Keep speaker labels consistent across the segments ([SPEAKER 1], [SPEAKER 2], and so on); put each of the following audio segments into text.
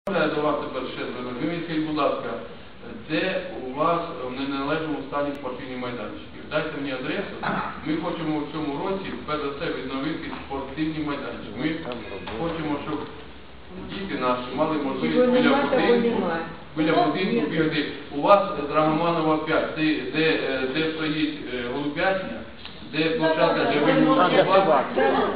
[SPEAKER 1] До вас тепер ще звернути. Ви мені скажіть, будь ласка, де у вас в неналежному стані спортивні майданчики? Дайте мені адресу. Ми хочемо в цьому році, перш за все, відновити спортивні майданчики. Ми хочемо, щоб діти наші мали можливість біля будинку бігати. У вас Драгоманова 5, де стоїть голубятня, де площадка, де вигнув собак.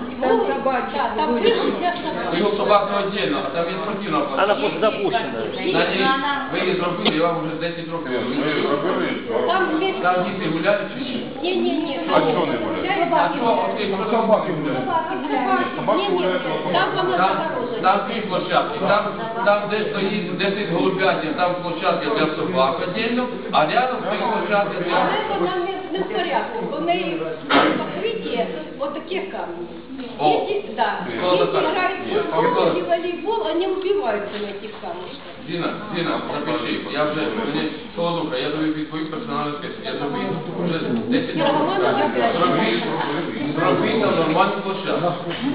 [SPEAKER 1] Вигнув собак не віддільно, а там є спортивна площадка.
[SPEAKER 2] Вона запущена.
[SPEAKER 1] Ви її зробили, я вам вже 10 років. Там діти гуляють чи ні?
[SPEAKER 3] Ні.
[SPEAKER 1] А чого не гуляють? А чого? Собаки гуляють. Там дві площадки. Там, де стоїть 10 голубятин, там площадка для собак віддільно, а рядом стоїть площадка для...
[SPEAKER 3] Не в порядку, у неї покриття отаких камней.
[SPEAKER 1] О,
[SPEAKER 3] Дети играют в футбол и волейбол, они убиваются на этих камушках.
[SPEAKER 1] Зіна, запиши, я вже, мені Солодуха, я тобі відповім персональну список. Я тобі вже 10 років. Зроби там нормальну площадку.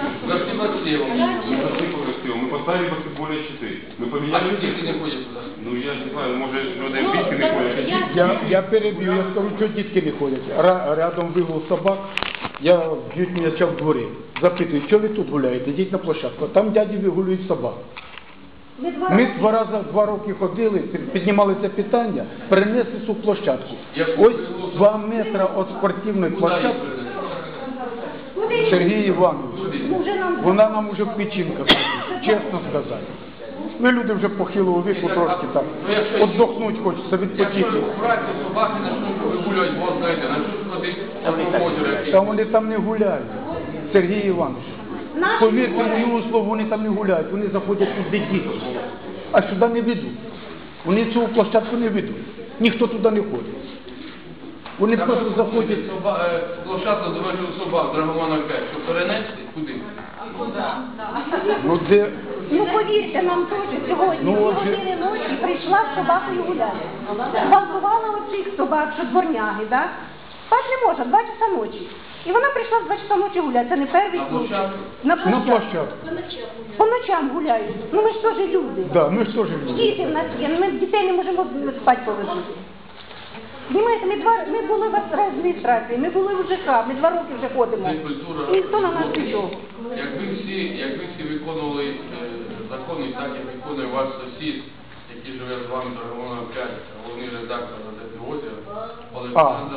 [SPEAKER 4] Мы поставили баскетбольные щиты. Мы
[SPEAKER 1] А
[SPEAKER 4] поменяли...
[SPEAKER 1] діти не ходять туди.
[SPEAKER 4] Ну я не знаю, может люди битки не ходят.
[SPEAKER 5] Я переб'ю, я скажу, що дітки не ходять. Рядом вигул собак, я б'ють м'яча в дворі. Запитую, що ви тут гуляєте? Йдіть на площадку. Там дяді вигулюють собак. Ми 2 роки ходили, піднімали це питання, перенесли цю площадку. Ось 2 метри від спортивної площадки. Сергій Іванович, вона нам уже в печінках, чесно сказати. Ми люди вже похилого віку трошки так, віддохнути хочеться, відпочити.
[SPEAKER 1] Собаки почнуть вигулювати, бо знаєте, почнуть ходити.
[SPEAKER 5] Та вони там не гуляють, Сергій Іванович. Повірте моєму слову, вони там не гуляють, вони заходять туди діти, а сюди не ведуть. Вони цю площадку не ведуть, ніхто туди не ходить. Вони просто заходять...
[SPEAKER 1] Площадку дорожнього собак, Драгоманова 5, щоб перенести, куди?
[SPEAKER 5] Ну, де...
[SPEAKER 6] Ну, повірте, нам теж сьогодні, 2 години ночі прийшла з собакою гуляти. Зґвалтувала оцих собак, що дворняги, так? Спати не може, 2 часа ночі. І вона прийшла в 2 часа ночі гуляти, це не перший случай. На площадку. По ночам гуляють. Ну ми ж теж люди.
[SPEAKER 5] Да, ми ж теж люди.
[SPEAKER 6] Діти в нас є, ми дітей не можемо спати повезти. Знімаєте, ми були в адміністрації, ми були в ЖК, ми 2 роки вже ходимо. І ніхто на нас нічого.
[SPEAKER 1] Якби всі виконували закони, так як виконує ваш сусід, який живе з вами, Драгоманова 5, головний редактор газети «Озеро», Олександр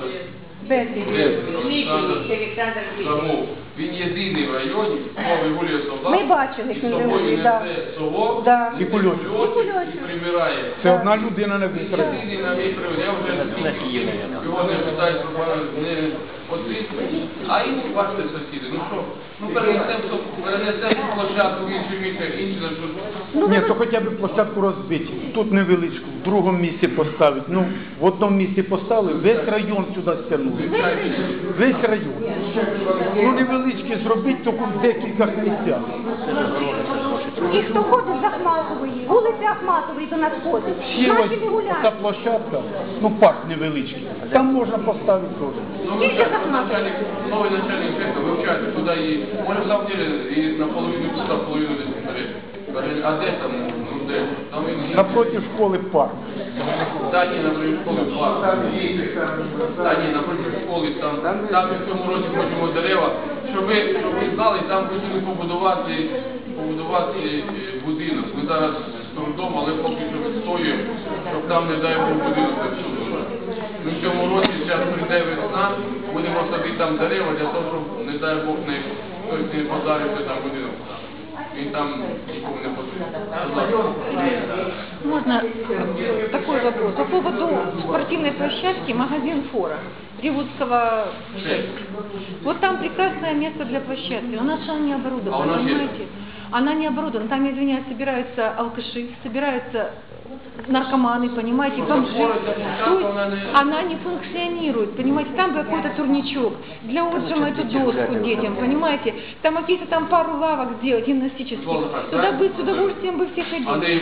[SPEAKER 1] Замов. Він єдиний в районі, хто вигулює собак,
[SPEAKER 6] Ми бачили,
[SPEAKER 1] і з собою несе совок,
[SPEAKER 5] і кульочок,
[SPEAKER 1] і прибирає.
[SPEAKER 5] Це одна людина на весь район.
[SPEAKER 1] Єдиний на мій привод. Я вже його не питаю, не підписують. А інші, бачите, сусіди, ну що? Ну перенесемо площадку в інший місце, інші на
[SPEAKER 5] Ні, то хоча б площадку розбити. Тут невеличку, в другому місці поставити. Ну, в одному місці поставили, весь район сюди стягнули. Весь район. Ну, невеличкі зробити, тільки в декількох місцях.
[SPEAKER 6] І хто ходить з Ахматової, вулиця Ахматової до нас ходить.
[SPEAKER 5] Ще ось
[SPEAKER 6] Наші не гуляють.
[SPEAKER 5] ця площадка, ну парк невеличкий, там можна поставити теж.
[SPEAKER 1] новий начальник цеху вивчати туди і, може, в самом деле, і наполовину туди, половину десь. А де там, ну де? Там він...
[SPEAKER 5] Напроти школи парк.
[SPEAKER 1] Та ні, напроти школи парк. Та ні, напроти школи, там в цьому році хочемо дерева. Щоб ви знали, там хотіли побудувати будинок. Ми зараз з трудом, але поки що відстоюємо, щоб там, не дай Бог, будинок не всунув. Ми в цьому році, зараз прийде весна, будемо садити там дерева для того, щоб, не дай Бог, хтось не подарився там будинок. Він там нікому не потрібен.
[SPEAKER 7] Можно такой вопрос? По поводу спортивной площадки магазин «Фора» Ревудского 6. Вот там прекрасное место для площадки, но она не оборудована, понимаете? Она не оборудована, там, извиняюсь, собираются алкаши, собираются наркоманы, понимаете, бомжи. То есть она не функционирует, понимаете, там какой-то турничок для отжима эту доску детям, понимаете, там какие-то там пару лавок сделать гимнастических, туда бы с удовольствием бы все ходили.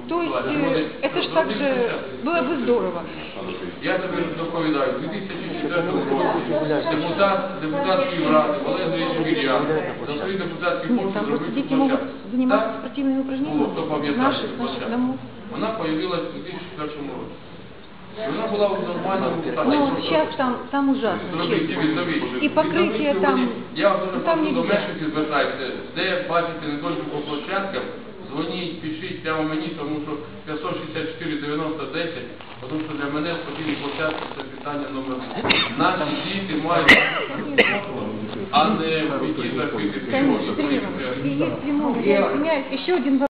[SPEAKER 7] То есть
[SPEAKER 1] Вони
[SPEAKER 7] это ж так же было бы здорово.
[SPEAKER 1] Я тобі доповідаю, у 2004 році депутатської ради Валерій Швір'ян за свої депутатські
[SPEAKER 7] Нет,
[SPEAKER 1] кошти
[SPEAKER 7] там просто
[SPEAKER 1] зробив
[SPEAKER 7] дети
[SPEAKER 1] цю
[SPEAKER 7] могут
[SPEAKER 1] площадку.
[SPEAKER 7] заниматься
[SPEAKER 1] Так?
[SPEAKER 7] спортивными
[SPEAKER 1] Було,
[SPEAKER 7] упражнениями.
[SPEAKER 1] хто пам'ятає
[SPEAKER 7] Наши,
[SPEAKER 1] цю
[SPEAKER 7] с наших
[SPEAKER 1] площадку.
[SPEAKER 7] домов.
[SPEAKER 1] Вона появилась у 2001 році. І вона була в нормальному стані.
[SPEAKER 7] Ну вот сейчас там ужасно,
[SPEAKER 1] Зробіть
[SPEAKER 7] честно.
[SPEAKER 1] відновіть.
[SPEAKER 7] І покриття
[SPEAKER 1] Відновіть
[SPEAKER 7] там-
[SPEAKER 1] сьогодні. Я дуже
[SPEAKER 7] там
[SPEAKER 1] прошу до
[SPEAKER 7] нельзя.
[SPEAKER 1] мешканців звертайтеся, де бачите недоліки по площадкам, дзвоніть, пишіть прямо мені, тому що 564 90 10, тому що для мене спортивні площадки це питання номер 1. Наші діти мають, а не в які закрити
[SPEAKER 7] Конечно, Кирилл, и есть прямой, я извиняюсь, еще один вопрос.